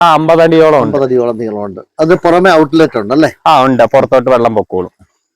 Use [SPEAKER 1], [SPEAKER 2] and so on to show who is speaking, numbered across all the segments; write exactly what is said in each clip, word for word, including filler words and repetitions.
[SPEAKER 1] ആ അമ്പത് അടിയോളം ഉണ്ട്.
[SPEAKER 2] അമ്പത് അടിയോളം നീളമുണ്ട്. അത് പുറമെ ഔട്ട്ലെറ്റ് ഉണ്ട് അല്ലേ?
[SPEAKER 1] ആ ഉണ്ട്, പുറത്തോട്ട് വെള്ളം പൊക്കോളും.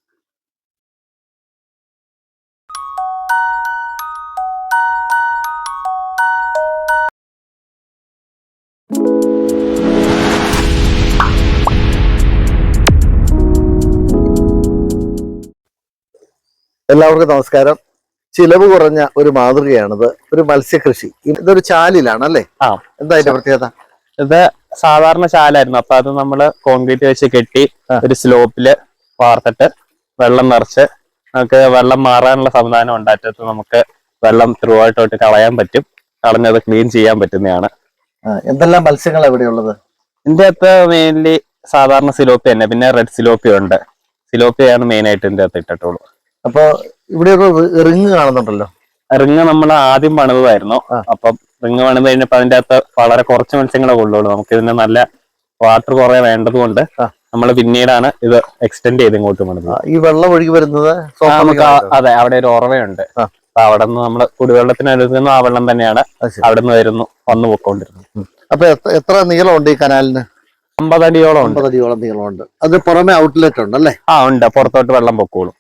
[SPEAKER 2] എല്ലാവർക്കും നമസ്കാരം. ചിലവ് കുറഞ്ഞ ഒരു മാതൃകയാണിത്. ഒരു മത്സ്യകൃഷി. ഇതൊരു ചാലിലാണ് അല്ലേ?
[SPEAKER 1] ആ.
[SPEAKER 2] എന്താ അതിന്റെ പ്രത്യേകത?
[SPEAKER 1] ഇത് സാധാരണ ചാലായിരുന്നു. അപ്പൊ അത് നമ്മള് കോൺക്രീറ്റ് വെച്ച് കെട്ടി ഒരു സ്ലോപ്പില് വാർത്തിട്ട് വെള്ളം നിറച്ച് നമുക്ക് വെള്ളം മാറാനുള്ള സംവിധാനം ഉണ്ടായിട്ട് നമുക്ക് വെള്ളം ത്രൂ ആയിട്ടോട്ട് കളയാൻ പറ്റും. കളഞ്ഞത് ക്ലീൻ ചെയ്യാൻ പറ്റുന്നതാണ്.
[SPEAKER 2] എന്തെല്ലാം മത്സ്യങ്ങൾ എവിടെയുള്ളത്?
[SPEAKER 1] ഇതിന്റെ അകത്ത് മെയിൻലി സാധാരണ സിലോപ്പി തന്നെ, പിന്നെ റെഡ് സിലോപ്പി ഉണ്ട്. സിലോപ്പിയാണ് മെയിൻ ആയിട്ട് ഇതിന്റെ അകത്ത് ഇട്ടിട്ടുള്ളൂ.
[SPEAKER 2] അപ്പൊ ഇവിടെ റിങ് കാണുന്നുണ്ടല്ലോ.
[SPEAKER 1] റിങ് നമ്മൾ ആദ്യം പണിതായിരുന്നു. അപ്പം റിങ് പണിത് കഴിഞ്ഞപ്പോ അതിന്റെ അകത്ത് വളരെ കുറച്ച് മത്സ്യങ്ങളെ കൊള്ളുള്ളൂ. നമുക്ക് ഇതിന് നല്ല വാട്ടർ കുറെ വേണ്ടത് കൊണ്ട് നമ്മൾ പിന്നീടാണ് ഇത് എക്സ്റ്റെൻഡ് ചെയ്ത് ഇങ്ങോട്ട് പണിത്.
[SPEAKER 2] ഈ വെള്ളം ഒഴുകി വരുന്നത്
[SPEAKER 1] നമുക്ക് അതെ, അവിടെ ഒരു ഉറവയുണ്ട്. അപ്പൊ അവിടെ നിന്ന് നമ്മള് കുടിവെള്ളത്തിന് എടുക്കുന്ന ആ വെള്ളം തന്നെയാണ് അവിടെ നിന്ന് വരുന്നു വന്നു പോയിക്കൊണ്ടിരുന്നത്.
[SPEAKER 2] അപ്പൊ എത്ര നീളമുണ്ട് ഈ കനാലിന്?
[SPEAKER 1] അമ്പത് അടിയോളം ഉണ്ട്.
[SPEAKER 2] അമ്പത് അടിയോളം നീളമുണ്ട്. അത് പുറമെ ഔട്ട്ലെറ്റ് ഉണ്ട് അല്ലേ?
[SPEAKER 1] ആ ഉണ്ട്, പുറത്തോട്ട് വെള്ളം പൊക്കോളും.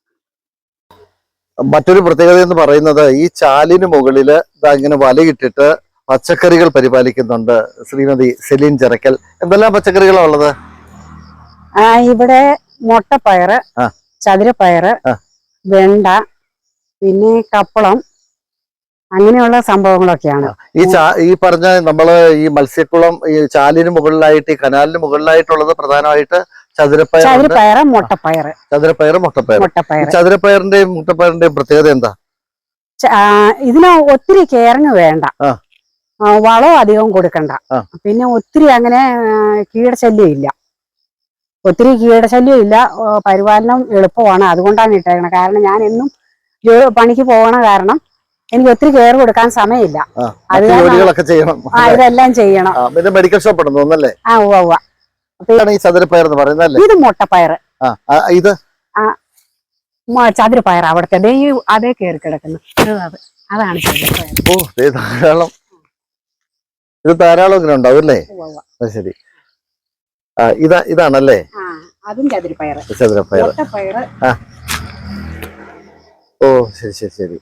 [SPEAKER 2] മറ്റൊരു പ്രത്യേകത എന്ന് പറയുന്നത് ഈ ചാലിന് മുകളില് ഇങ്ങനെ വലയിട്ടിട്ട് പച്ചക്കറികൾ പരിപാലിക്കുന്നുണ്ട് ശ്രീമതി സെലീൻ ചിറക്കൽ. എന്തെല്ലാം പച്ചക്കറികളാണ് ഉള്ളത്?
[SPEAKER 3] ഇവിടെ മുട്ടപ്പയറ്, ചതുരപ്പയറ്, വെണ്ട, പിന്നെ കപ്പളം, അങ്ങനെയുള്ള സംഭവങ്ങളൊക്കെയാണ്.
[SPEAKER 2] ഈ ചാ ഈ പറഞ്ഞ നമ്മള് ഈ മത്സ്യക്കുളം ഈ ചാലിന് മുകളിലായിട്ട് ഈ കനാലിന് മുകളിലായിട്ടുള്ളത് പ്രധാനമായിട്ട് ചതുരപ്പയർ,
[SPEAKER 3] ചതുരപ്പയറ്, മുട്ടപ്പയറ്.
[SPEAKER 2] ചതുരപ്പയറ്, മുട്ടപ്പയർ. ചതുരപ്പയറിന്റെയും മുട്ടപ്പയറിന്റെയും പ്രത്യേകത എന്താ?
[SPEAKER 3] ഇതിന് ഒത്തിരി കെയറിങ് വേണ്ട, വളവും അധികം കൊടുക്കണ്ട, പിന്നെ ഒത്തിരി അങ്ങനെ കീടശല്യം ഇല്ല. ഒത്തിരി കീടശല്യം ഇല്ല, പരിപാലനം എളുപ്പമാണ്. അതുകൊണ്ടാണ് ഇട്ടേക്കണത്. കാരണം ഞാൻ എന്നും പണിക്ക് പോകണ കാരണം എനിക്ക് ഒത്തിരി കെയർ കൊടുക്കാൻ സമയമില്ല. അത് ഇതെല്ലാം ചെയ്യണം.
[SPEAKER 2] മെഡിക്കൽ ഷോപ്പ് ഉണ്ടെന്നല്ലേ?
[SPEAKER 3] ആ ഉവ്വ ഉവ്വ.
[SPEAKER 2] ഈ ചതുരപ്പയർ എന്ന് പറയുന്നത്
[SPEAKER 3] ഇത് മുട്ടപ്പയറ്,
[SPEAKER 2] ഇത്
[SPEAKER 3] ചതുരപ്പയർ. അവിടുത്തെ അതേ കയറി കിടക്കുന്നു, അതാണ് ചതുരപ്പയർ.
[SPEAKER 2] ഓ ധാരാളം, ഇത് ധാരാളം ഇങ്ങനെ ഉണ്ടാവും അല്ലേ? ശരി. ആ ഇതാ ഇതാണല്ലേ?
[SPEAKER 3] അതും ചതുരപ്പയർ.
[SPEAKER 2] ചതുരപ്പയർ.
[SPEAKER 3] മുട്ടപ്പയറ്.
[SPEAKER 2] ഓ ശരി ശരി ശരി.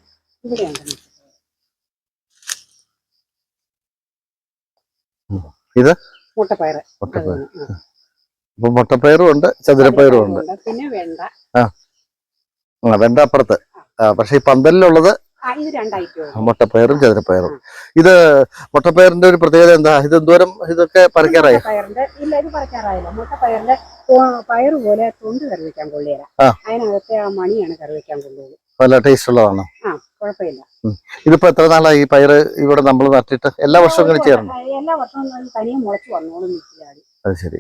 [SPEAKER 2] ഇത്
[SPEAKER 3] മുട്ടപ്പയറ്.
[SPEAKER 2] മുട്ടപ്പയർ. അപ്പൊ മുട്ടപ്പയറും ഉണ്ട്, ചതുരപ്പയറും ഉണ്ട്.
[SPEAKER 3] പിന്നെ വെണ്ട.
[SPEAKER 2] ആ വെണ്ട അപ്പുറത്ത്. ആ പക്ഷെ ഈ പന്തലിലുള്ളത് മുട്ടപ്പയറും ചതുരപ്പയറും. ഇത് മുട്ടപ്പയറിന്റെ ഒരു പ്രത്യേകത എന്താ? ഇത് എന്തോരം ഇതൊക്കെ പറിക്കാറായി?
[SPEAKER 3] ഇല്ല, ഇത് പറിക്കാറായില്ല. മുട്ടപ്പയറിന്റെ പയറ് പോലെ തൊണ്ട് കറി വെക്കാൻ കൊള്ളിയില്ല. അതിനകത്തെ ആ മണിയാണ് കറി വെക്കാൻ കൊള്ളുന്നത്.
[SPEAKER 2] നല്ല ടേസ്റ്റ് ഉള്ളതാണോ?
[SPEAKER 3] ആ കുഴപ്പമില്ല.
[SPEAKER 2] ഇതിപ്പോ എത്ര നാളായി ഈ പയറ് ഇവിടെ നമ്മൾ നട്ടിട്ട്? എല്ലാ വർഷവും ഇങ്ങനെ ചെയ്യാറുണ്ട്?
[SPEAKER 3] എല്ലാ വർഷവും തനിയെ മുളച്ചു വന്നോളും.
[SPEAKER 2] അത് ശരി.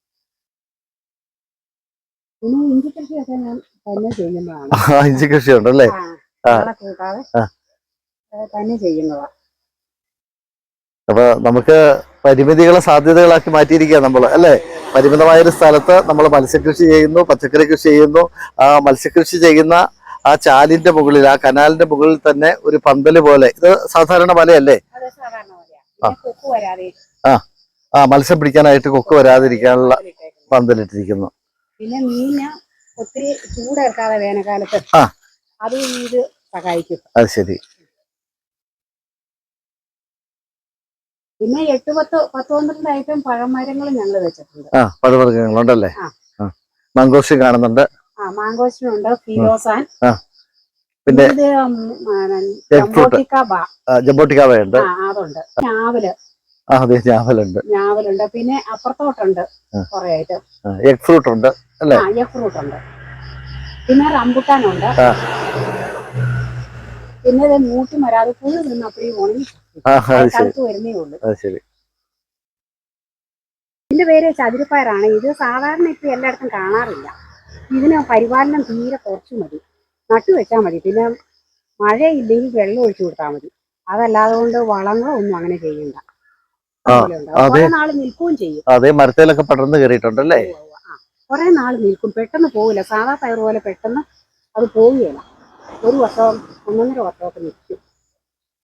[SPEAKER 3] പിന്നെ ഇഞ്ചി കൃഷിയൊക്കെ ഞാൻ തന്നെ ചെയ്യുന്നതാണ്.
[SPEAKER 2] ഇഞ്ചി കൃഷി ഉണ്ടല്ലേ?
[SPEAKER 3] കൂട്ടാതെ തന്നെ ചെയ്യുന്നതാ.
[SPEAKER 2] അപ്പൊ നമുക്ക് പരിമിതികളെ സാധ്യതകളാക്കി മാറ്റിയിരിക്കുക നമ്മള് അല്ലെ? പരിമിതമായൊരു സ്ഥലത്ത് നമ്മൾ മത്സ്യകൃഷി ചെയ്യുന്നു, പച്ചക്കറി കൃഷി ചെയ്യുന്നു. ആ മത്സ്യകൃഷി ചെയ്യുന്ന ആ ചാലിന്റെ മുകളിൽ, ആ കനാലിന്റെ മുകളിൽ തന്നെ ഒരു പന്തല് പോലെ. ഇത് സാധാരണ വലയല്ലേ? ആ ആ മത്സ്യം പിടിക്കാനായിട്ട് കൊക്ക് വരാതിരിക്കാനുള്ള പന്തലിട്ടിരിക്കുന്നു.
[SPEAKER 3] പിന്നെ മീന് ഒത്തിരി ചൂടേർക്കാതെ വേനൽക്കാലത്ത് അത് ഇത് സഹായിക്കും.
[SPEAKER 2] അത് ശരി.
[SPEAKER 3] പിന്നെ എട്ട് പത്ത് പത്ത് പന്ത്രണ്ട് ഐറ്റം പഴമരങ്ങൾ ഞങ്ങൾ വെച്ചിട്ടുണ്ട്.
[SPEAKER 2] ആ പഴവർഗ്ഗങ്ങളുണ്ടല്ലേ? മാങ്കോസ്റ്റിൻ കാണുന്നുണ്ട്.
[SPEAKER 3] ആ മാങ്കോസ്റ്റിനുണ്ട്, ഫിലോസാൻ,
[SPEAKER 2] പിന്നെ
[SPEAKER 3] ജംബോട്ടിക്കാവയുണ്ട്, അതുണ്ട്. ഞാവല്.
[SPEAKER 2] അതെ ഞാവലുണ്ട്.
[SPEAKER 3] ഞാവലുണ്ട്. പിന്നെ അപ്പുറത്തോട്ടുണ്ട് കുറെ ഐറ്റം.
[SPEAKER 2] എഗ് ഫ്രൂട്ട് ഉണ്ട് അല്ലേ?
[SPEAKER 3] ആ എഗ് ഫ്രൂട്ട് ഉണ്ട്. പിന്നെ റംബുട്ടാനുണ്ട്. പിന്നെ ഇത് മൂട്ടി മരാതെ പുഴു നിന്ന് അപ്പഴേ ഉണങ്ങി തണുത്ത് വരുന്നേ ഉള്ളൂ. ഇതിന്റെ പേര് ചതുരപ്പയറാണ്. ഇത് സാധാരണ ഇപ്പൊ എല്ലായിടത്തും കാണാറില്ല. ഇതിന് പരിപാലനം തീരെ കുറച്ച് മതി, നട്ടു വെച്ചാൽ മതി. പിന്നെ മഴയില്ലെങ്കിൽ വെള്ളം ഒഴിച്ചു കൊടുത്താൽ മതി. അതല്ലാതെ കൊണ്ട് വളങ്ങളോ ഒന്നും അങ്ങനെ ചെയ്യണ്ട. കുറെ നാള് നിൽക്കുകയും ചെയ്യും.
[SPEAKER 2] അതെ മരത്തിലൊക്കെ പടർന്ന് കയറിയിട്ടുണ്ടല്ലേ?
[SPEAKER 3] കുറെ നാള് നിൽക്കും, പെട്ടെന്ന് പോവില്ല. സാധാ പയർ പോലെ പെട്ടെന്ന് അത് പോവുകയില്ല. ഒരു വർഷം ഒന്നൊന്നര വർഷമൊക്കെ നിൽക്കും.